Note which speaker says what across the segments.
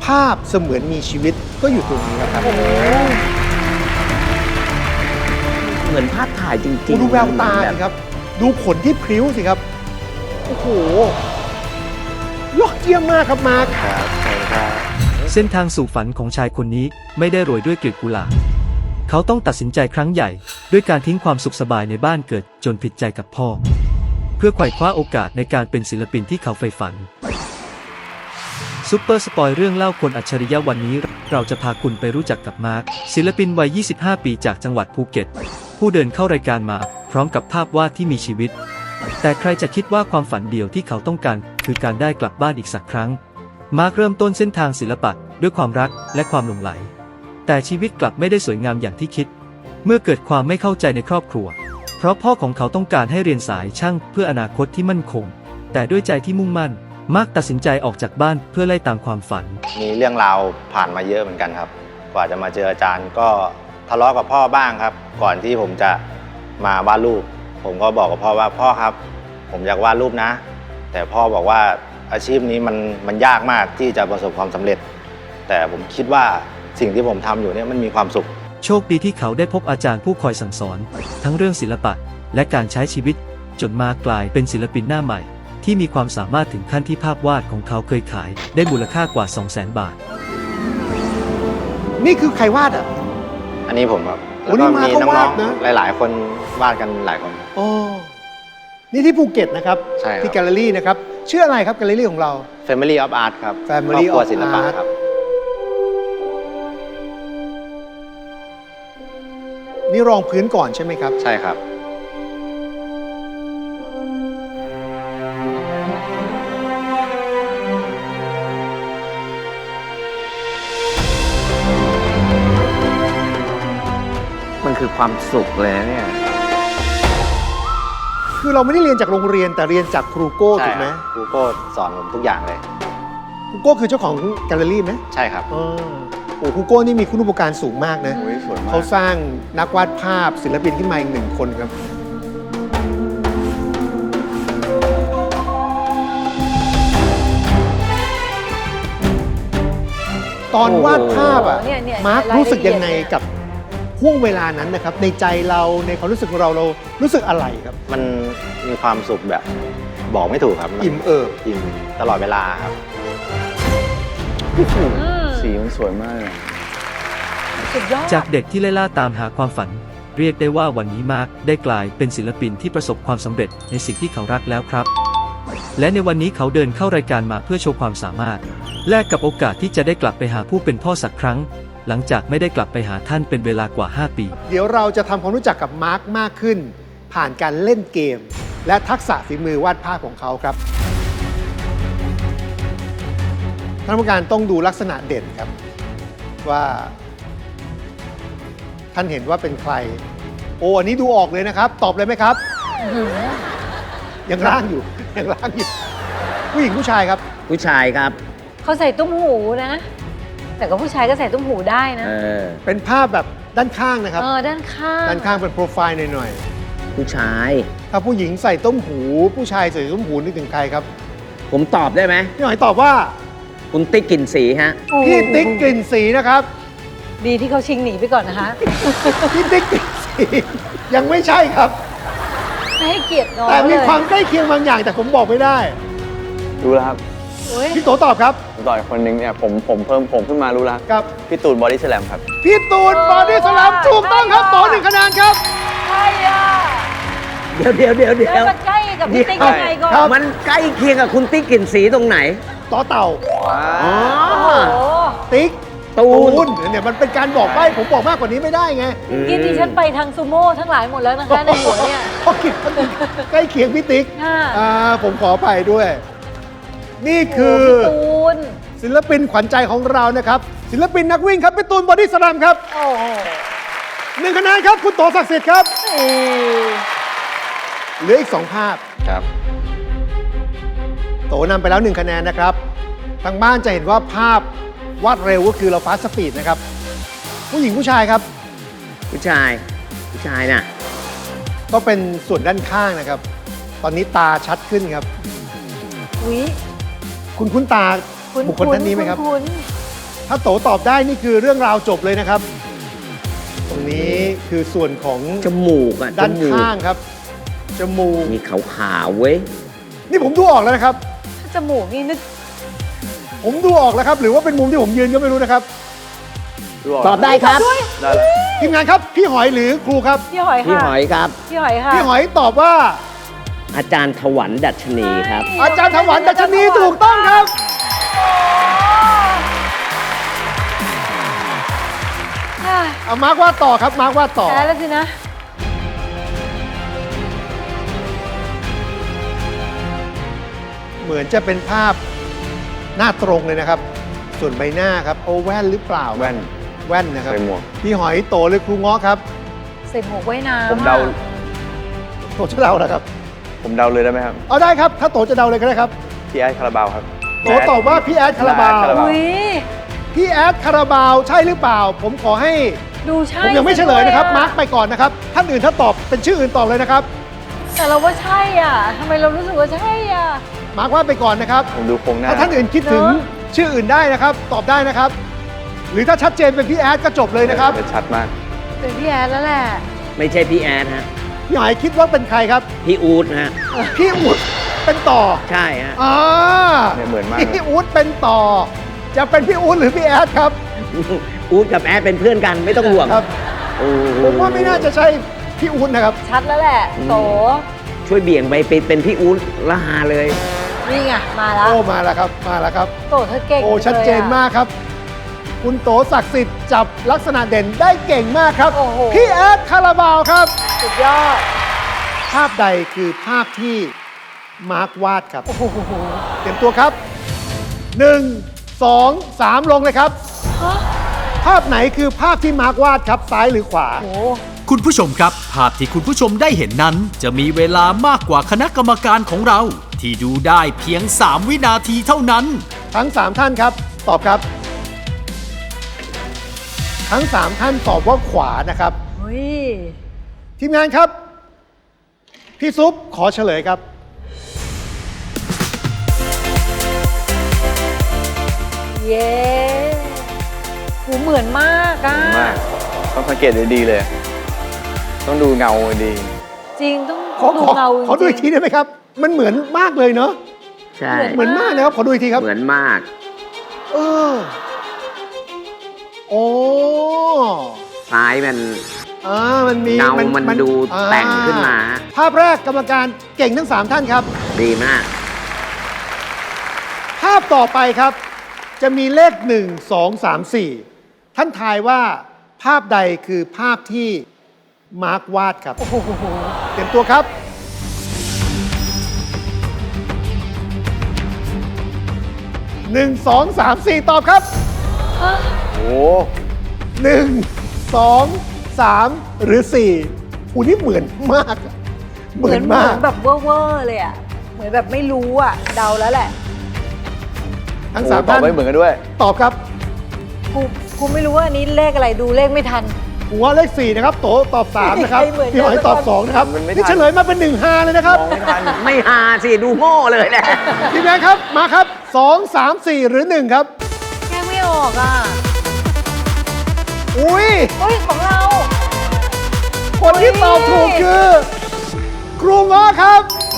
Speaker 1: าพเสมือนมีชีวิตก็อยู่ตรงนี้ครับ
Speaker 2: เหมือนภาพถ่ายจริงๆ
Speaker 1: ดูแววตาสิครับ ดูขนที่พริ้วสิครับ โอ้โห ยอดเยี่ยมมากครับมาร์ค
Speaker 3: เส้นทางสู่ฝันของชายคนนี้ไม่ได้โรยด้วยกลีบกุหลาบเขาต้องตัดสินใจครั้งใหญ่ด้วยการทิ้งความสุขสบายในบ้านเกิดจนผิดใจกับพ่อ เพื่อไขว่คว้าโอกาสในการเป็นศิลปินที่เขาใฝ่ฝันซุปเปอร์สปอยเรื่องเล่าคนอัจฉริยะวันนี้เราจะพาคุณไปรู้จักกับมาร์คศิลปินวัย 25 ปีจากจังหวัดภูเก็ตผู้เดินเข้ารายการมาพร้อมกับภาพวาดที่มีชีวิตแต่ใครจะคิดว่าความฝันเดียวที่เขาต้องการคือการได้กลับบ้านอีกสักครั้งมาร์คเริ่มต้นเส้นทางศิลปะด้วยความรักและความหลงไหลแต่ชีวิตกลับไม่ได้สวยงามอย่างที่คิดเมื่อเกิดความไม่เข้าใจในครอบครัวเพราะพ่อของเขาต้องการให้เรียนสายช่างเพื่ออนาคตที่มั่นคงแต่ด้วยใจที่มุ่งมั่นมาร์คตัดสินใจออกจากบ้านเพื่อไล่ตามความฝัน
Speaker 4: มีเรื่องราวผ่านมาเยอะเหมือนกันครับกว่าจะมาเจออาจารย์ก็ทะเลาะกับพ่อบ้างครับก่อนที่ผมจะมาวาดรูปผมก็บอกกับพ่อว่าพ่อครับผมอยากวาดรูปนะแต่พ่อบอกว่าอาชีพนี้มันยากมากที่จะประสบความสำเร็จแต่ผมคิดว่าสิ่งที่ผมทำอยู่เนี่ยมันมีความสุข
Speaker 3: โชคดีที่เขาได้พบอาจารย์ผู้คอยสั่งสอนทั้งเรื่องศิลปะและการใช้ชีวิตจนมากลายเป็นศิลปินหน้าใหม่ที่มีความสามารถถึงขั้นที่ภาพวาดของเขาเคยขายได้มูลค่ากว่า 200,000 บาท
Speaker 1: นี่คือใครวาดอ่ะ
Speaker 4: อันนี้ผมครับ
Speaker 1: โอ้
Speaker 4: แล้วก็
Speaker 1: นี่มา
Speaker 4: มี
Speaker 1: เขา
Speaker 4: น้
Speaker 1: วา
Speaker 4: อ
Speaker 1: ด
Speaker 4: ง
Speaker 1: นะ
Speaker 4: ๆหลายๆ คนวาดกันหลายคน
Speaker 1: โอ้นี่ที่ภูเก็ตนะครับ
Speaker 4: ใช่ครับ
Speaker 1: ที่แกลเลอรี่นะครับชื่ออะไรครับแกลเลอรี่ของเรา
Speaker 4: Family of Art ครับ
Speaker 1: Family
Speaker 4: ครอบครัว
Speaker 1: of
Speaker 4: ศิลปะ
Speaker 1: Art
Speaker 4: ครับ
Speaker 1: นี่รองพื้นก่อนใช่ไหมครับ
Speaker 4: ใช่ครับ
Speaker 2: มันคือความสุขเลยนะเนี่ย
Speaker 1: คือเราไม่ได้เรียนจากโรงเรียนแต่เรียนจากครูโก้
Speaker 4: ใช่
Speaker 1: ถูกไหม
Speaker 4: ครับครูโก้สอนผมทุกอย่างเลย
Speaker 1: ครูโก้คือเจ้าของแกลเลอรี่ไหม
Speaker 4: ใช่ครับ
Speaker 1: อ๋อโอ้ครูโก้นี่มีคุณูปการสูงมากนะ
Speaker 4: สวยมาก
Speaker 1: เขาสร้างนักวาดภาพศิลปินขึ้นมาอีกหนึ่งคนครับ ตอนวาดภาพอ่ะ
Speaker 5: โอ้โหเนี่ย
Speaker 1: มาร์ค
Speaker 5: รายละเอียด
Speaker 1: รู้สึกยังไงกับห่วงเวลานั้นนะครับ ในใจเราในความรู้สึกของเรารู้สึกอะไรครับ
Speaker 4: มันมีความสุขแบบบอกไม่ถูกครับน
Speaker 1: อิ่มเอิบ
Speaker 4: อิ่มตลอดเวลาครับ
Speaker 2: สีมันสวยมากเลย
Speaker 5: สุดยอด
Speaker 3: จากเด็กที่ไล่ล่าตามหาความฝัน เรียกได้ว่าวันนี้มาร์คได้กลายเป็นศิลปินที่ประสบความสำเร็จในสิ่งที่เขารักแล้วครับ และในวันนี้เขาเดินเข้ารายการมาเพื่อโชว์ความสามารถแลกกับโอกาสที่จะได้กลับไปหาผู้เป็นพ่อสักครั้ง หลังจากไม่ได้กลับไปหาท่านเป็นเวลากว่า 5 ปี
Speaker 1: เดี๋ยวเราจะทำความรู้จักกับมาร์คมากขึ้น ผ่านการเล่นเกม และทักษะฝีมือวาดภาพของเขาครับท่านผู้การต้องดูลักษณะเด่นครับ ว่าท่านเห็นว่าเป็นใคร โอ้อันนี้ดูออกเลยนะครับ ตอบเลยไหมครับ ยังร่างอยู่ ยังร่างอยู่ ผู้หญิงผู้ชายครับ
Speaker 2: ผู้ชายครับ
Speaker 5: เขาใส่ตุ้มหูนะ แต่ก็ผู้ชายก็ใส่ตุ้มหูได้นะ
Speaker 1: เป็นภาพแบบด้านข้างนะครับ
Speaker 5: ด้านข้าง
Speaker 1: ด้านข้างเป็นโปรไฟล์หน่อย
Speaker 2: ผู้ชาย
Speaker 1: ๆถ้าผู้หญิงใส่ต้มหู ผู้ชายใส่ต้มหูนึกถึงใครครับ
Speaker 2: ผมตอบได้ไหม
Speaker 1: พี่หน่อยตอบว่า
Speaker 2: คุณติ๊กกลิ่นสีฮะ
Speaker 5: โอ้โห
Speaker 1: พี่ติ๊กกลิ่นสีนะครับ
Speaker 5: ดีที่เขาชิงหนีไปก่อนนะคะ
Speaker 1: พี่ติ๊กกลิ่นสียังไม่ใช่ครับ
Speaker 5: ไม่ให้เกียรติน้อง
Speaker 1: แต่มี
Speaker 5: เลย
Speaker 1: ความใกล้เคียงบางอย่างแต่ผมบอกไม่ได้
Speaker 6: รู้แล้วครับ
Speaker 5: โอ้ย
Speaker 1: พี่โตตอบครับ
Speaker 6: ต่อยคนหนึงเนี่ยผมเพิ่มผมขึ้นมารู้แล้ว
Speaker 1: กับ
Speaker 6: พี่ตูนบอดี้สแลมครับ
Speaker 1: พี่ตูนบอดี้สแลมถูกต้องครับต่อ1 คะแนนครับ
Speaker 5: ใช่อ่ะ
Speaker 2: เดี๋ยว
Speaker 5: แล้วมันใกล้กับพี่ติ๊กยังไงก่อน
Speaker 1: ครับ
Speaker 2: มันใกล้เคียงกับคุณติ๊กกลิ่นสีตรงไหน
Speaker 1: ต่อเต่า
Speaker 2: อ๋อ
Speaker 5: โอ้โห
Speaker 1: ติ๊ก
Speaker 2: ตูน
Speaker 1: เนี่ยมันเป็นการบอกใบ้ผมบอกมากกว่านี้ไม่ได้ไง
Speaker 5: กินที่ฉันไปทางซูโม่ทั้งหลายหมดแล้วนะคะในหัวเนี่ย
Speaker 1: เพราะคิดว่าใกล้เคียงพี่ติ๊ก
Speaker 5: ค่ะ
Speaker 1: ผมขอไปด้วย นี่คือ
Speaker 5: โโหพี่ตูน
Speaker 1: ศิลปินขวัญใจของเรานะครับ ศิลปินนักวิ่งครับพี่ตูนบอดี้สแลมครับ
Speaker 5: โอ้โห
Speaker 1: 1 คะแนนครับ คุณโตศักดิ์สิทธิ์ครับ เหลืออีก 2 ภาพ
Speaker 4: ครับ
Speaker 1: โตนำไปแล้ว 1 คะแนนนะครับ ทางบ้านจะเห็นว่าภาพวาดเร็วก็คือเราฟาสต์สปีดนะครับ ผู้หญิงผู้ชายครับ
Speaker 2: ผู้ชายน่ะ
Speaker 1: ก็เป็นส่วนด้านข้างนะครับ ตอนนี้ตาชัดขึ้นครับ
Speaker 5: อุ๊ย
Speaker 1: คุณคุ้นตาบุคคลท่านนี้ไหมครับ
Speaker 5: คุ้น
Speaker 1: ถ้าโตตอบได้นี่คือเรื่องราวจบเลยนะครับ ตรงนี้คือส่วนของ
Speaker 2: จมูกอ่ะ
Speaker 1: ด้าน
Speaker 2: จมูก
Speaker 1: ข้างครับ จมูก
Speaker 2: มีขาวๆเว้ย
Speaker 1: นี่ผมดูออกแล้วนะครับ
Speaker 5: จมูกนี่นึก
Speaker 1: ผมดูออกแล้วครับ หรือว่าเป็นมุมที่ผมยืนก็ไม่รู้นะครับ
Speaker 2: ตอบได้ครับ
Speaker 6: ได้แล้ว
Speaker 1: ทีมงานครับ พี่หอยหรือครูครับ
Speaker 5: พี่หอย
Speaker 2: พี่
Speaker 5: ค่ะ
Speaker 2: หอยครับ
Speaker 5: พี่หอยค่ะ
Speaker 1: พี่หอยตอบว่า
Speaker 2: อาจารย์ถวันดัชนีครับ
Speaker 1: อาจารย์ถวันดัชนีถูกต้องครับ
Speaker 5: อ่ะ
Speaker 1: เอามาร์ควาดต่อครับ มาร์ควาดต่อ
Speaker 5: แพ้แล้วสินะ
Speaker 1: เหมือนจะเป็นภาพหน้าตรงเลยนะครับ ส่วนใบหน้าครับโอแว่นหรือเปล่า
Speaker 6: แว่น
Speaker 1: แว่นนะครับ
Speaker 6: ใส่หมวก
Speaker 1: พี่หอยโตหรือครูง้อครับ
Speaker 5: ใส่หมวกว่ายน้ำ
Speaker 6: ผมเดา
Speaker 5: อะ
Speaker 1: โตจะเดาเหรอครับ
Speaker 6: ผมเดาเลยได้ไหมครับ
Speaker 1: เอาได้ครับ ถ้าโตจะเดาเลยก็ได้ครับ
Speaker 6: พี่แอดคาราบาวครับ
Speaker 1: โตตอบว่าพี่แอดคาราบาว
Speaker 6: คาราบาว
Speaker 5: อุ้ย
Speaker 1: พี่แอดคาราบาวใช่หรือเปล่า ผมขอให้
Speaker 5: ดูใช่
Speaker 1: ผมยังไม่เฉลยนะครับ
Speaker 5: ซ
Speaker 1: มาร์กไปก่อนนะครับ ท่านอื่นถ้าตอบเป็นชื่ออื่นตอบเลยนะครับ
Speaker 5: แต่เราว่าใช่อ่ะทำไมเรารู้สึกว่าใช่อ่ะ
Speaker 1: มาร์กว่าไปก่อนนะครับ
Speaker 6: ผมดูโครงหน้า
Speaker 1: ถ้าท่านอื่นคิดถึง
Speaker 5: เนอะ
Speaker 1: ชื่ออื่นได้นะครับ ตอบได้นะครับ หรือถ้าชัดเจนเป็นพี่แอดก็จบเลยนะครับ
Speaker 6: จะชัดมาก
Speaker 5: เป็นพี่แอดแล้วแหละ
Speaker 2: ไม่ใช่พี่แอดฮะ
Speaker 1: พี่หอยคิดว่าเป็นใครครับ
Speaker 2: พี่อูดฮะ
Speaker 1: พี่อุดเป็นต่อ
Speaker 2: ใช่ฮะ
Speaker 1: อ่า
Speaker 6: เนี่ยเหมือนมากเลย
Speaker 1: พี่อูดเป็นต่อ จะเป็นพี่อูดหรือพี่แอดครับ
Speaker 2: อูดกับแอดเป็นเพื่อนกันไม่ต้องห่วง
Speaker 1: ครับ
Speaker 2: โอ้โห
Speaker 1: ผมว่าไม่น่าจะใช่พี่อูดนะครับ
Speaker 5: ชัดแล้วแหละ โต
Speaker 2: ช่วยเบี่ยงไปเป็นพี่อูดละหาเลย
Speaker 5: นี่ไง มาแล้ว
Speaker 1: โอ้มาแล้วครับ มาแล้วครับ
Speaker 5: โตเธอเก่ง
Speaker 1: โอ้ชัดเจน
Speaker 5: ลยอะ
Speaker 1: มากครับ คุณโตศักดิ์สิทธิ์จับลักษณะเด่นได้เก่งมากครับ
Speaker 5: โอ้โห
Speaker 1: พี่แอดคาราบาวครับ
Speaker 5: สุดยอด
Speaker 1: ภาพใดคือภาพที่มาร์ควาดครับ
Speaker 5: โอ้โห
Speaker 1: เตรียมตัวครับ 1 2 3 ลงเลยครับ
Speaker 5: ฮะ
Speaker 1: ภาพไหนคือภาพที่มาร์ควาดครับ ซ้ายหรือขวา
Speaker 5: โอ้
Speaker 7: คุณผู้ชมครับ ภาพที่คุณผู้ชมได้เห็นนั้น จะมีเวลามากกว่าคณะกรรมการของเรา ที่ดูได้เพียง 3 วินาทีเท่านั้น
Speaker 1: ทั้ง 3 ท่านครับ ตอบครับ ทั้ง 3 ท่านตอบว่าขวานะครับ
Speaker 5: เฮ้ย
Speaker 1: ทีมงานครับ พี่ซุปขอเฉลยครับ
Speaker 5: เย้หูเหมือนมากอ่ะ
Speaker 6: มาก ต้องสังเกตดีๆเลย ต้องดูเงาดี
Speaker 5: จริงต้อง
Speaker 1: ขอ
Speaker 5: ดูเงาจริง
Speaker 1: ขอดูอีกทีได้ไหมครับ มันเหมือนมากเลยเนาะ
Speaker 2: ใช่
Speaker 1: เหมือนมากนะครับ ขอดูอีกทีครับ
Speaker 2: เหมือนมาก
Speaker 1: เออ โอ้
Speaker 2: ซ้ายมัน
Speaker 1: มันมี
Speaker 2: เงามันดูแต่งขึ้นมา
Speaker 1: ภาพแรกกรรมการเก่งทั้ง 3 ท่านครับ
Speaker 2: ดีมาก
Speaker 1: ภาพต่อไปครับ จะมีเลข 1 2 3 4 ท่านทายว่าภาพใดคือภาพที่มาร์ควาดครับ
Speaker 5: โอ้โห
Speaker 1: เตรียมตัวครับ 1 2 3 4 ตอบครับ
Speaker 6: ๆ โอ้
Speaker 1: 1 2 3 หรือ4อูนี่เหมือนมากอะเหมือนมาก
Speaker 5: แบบเวอร์เลยอ่ะ เหมือนแบบไม่รู้อ่ะ เดาแล้วแหละ
Speaker 1: ทั้ง
Speaker 6: โห
Speaker 1: สาม
Speaker 6: ตอบ
Speaker 1: ท่าน
Speaker 6: ไว้เหมือนกันด้วย
Speaker 1: ตอบครับ
Speaker 5: กูไม่รู้ว่าอันนี้เลขอะไรดูเลขไม่ทัน
Speaker 1: หัวเลข 4 นะครับ โตตอบ 3 นะครับ
Speaker 5: เหมือนกัน
Speaker 1: พี่หอยตอบ 2 นะครับ
Speaker 6: มันไม่ทัน
Speaker 1: นี่เฉลยมาเป็น1 5เลยนะครับ
Speaker 6: มองไม่ทัน
Speaker 2: ไม่หาสิ ดูโง่เลยแหละ
Speaker 1: ทีมงานครับ มาครับ 2 3 4 หรือ 1 ครับ
Speaker 5: แค่ไม่ออกอ่ะ
Speaker 1: อุ้ย
Speaker 5: เฮ้ย ของเรา
Speaker 1: คนที่ตอบถูกคือ ครูง้อครับ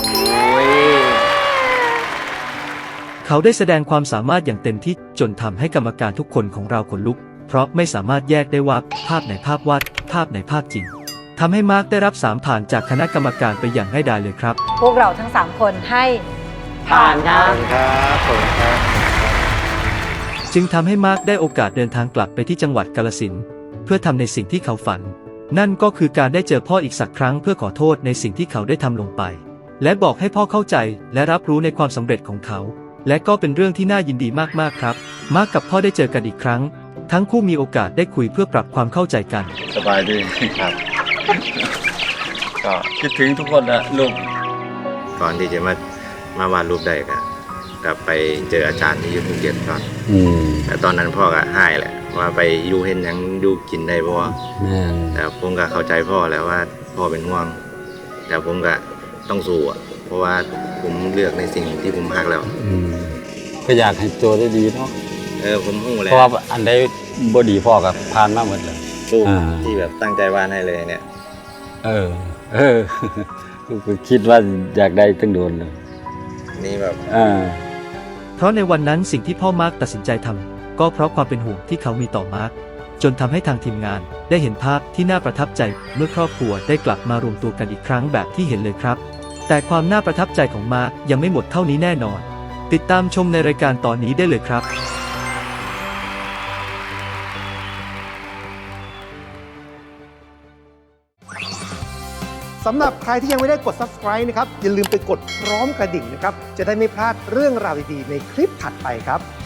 Speaker 3: เขาได้แสดงความสามารถอย่างเต็มที่จนทำให้กรรมการทุกคนของเราขนลุก เพราะไม่สามารถแยกได้ว่าภาพไหนภาพวาด ภาพไหนภาพจริงทำให้มาร์คได้รับ3ผ่านจากคณะกรรมการไปอย่างง่ายดายเลยครับ
Speaker 5: พวกเราทั้ง 3 คนให้
Speaker 2: ผ่านครับ
Speaker 6: ครับผมครับ
Speaker 3: จึงทำให้มาร์คได้โอกาสเดินทางกลับไปที่จังหวัดกาฬสินธุ์เพื่อทำในสิ่งที่เขาฝัน นั่นก็คือการได้เจอพ่ออีกสักครั้งเพื่อขอโทษในสิ่งที่เขาได้ทำลงไป และบอกให้พ่อเข้าใจและรับรู้ในความสำเร็จของเขา และก็เป็นเรื่องที่น่ายินดีมากๆครับ มาร์คกับพ่อได้เจอกันอีกครั้ง ทั้งคู่มีโอกาสได้คุยเพื่อปรับความเข้าใจกัน
Speaker 8: สบายดีครับ ก็คิดถึงทุกคนนะลูก
Speaker 4: ก่อนที่จะมาวาดรูปได้ก็กลับไปเจออาจารย์ที่อยุคภูเก็ตก่อนแต่ตอนนั้นพ่อก็ให้แหละว่าไปอยู่เห็นหยังอยู่กินได้บ่แต่ผมก็เข้าใจพ่อแล้วว่าพ่อเป็นห่วง แต่ผมก็ต้องสู้อะเพราะว่าผมเลือกในสิ่งที่ผมฮักแล้ว
Speaker 8: ก็อยากให้ตัวได้ดีเนาะ
Speaker 4: ผมหูเลย
Speaker 9: เพราะว่าอันใดบ่ดีพ่อกับผ่านมาหมดเลย
Speaker 4: รูป
Speaker 9: อ่า
Speaker 4: ที่แบบตั้งใจวาดให้เลยเนี่ย
Speaker 9: เออ คิดว่าอยากได้ตั้งโดนเลย
Speaker 4: นี่แบบ
Speaker 3: เพราะในวันนั้นสิ่งที่พ่อมาร์คตัดสินใจทำก็เพราะความเป็นห่วงที่เขามีต่อมาร์คจนทำให้ทางทีมงานได้เห็นภาพที่น่าประทับใจเมื่อครอบครัวได้กลับมารวมตัวกันอีกครั้งแบบที่เห็นเลยครับ แต่ความน่าประทับใจของมาร์คยังไม่หมดเท่านี้แน่นอน ติดตามชมในรายการตอนนี้ได้เลยครับ
Speaker 1: สำหรับใครที่ยังไม่ได้กด subscribe นะครับ อย่าลืมไปกดพร้อมกระดิ่งนะครับ จะได้ไม่พลาดเรื่องราวดีๆในคลิปถัดไปครับ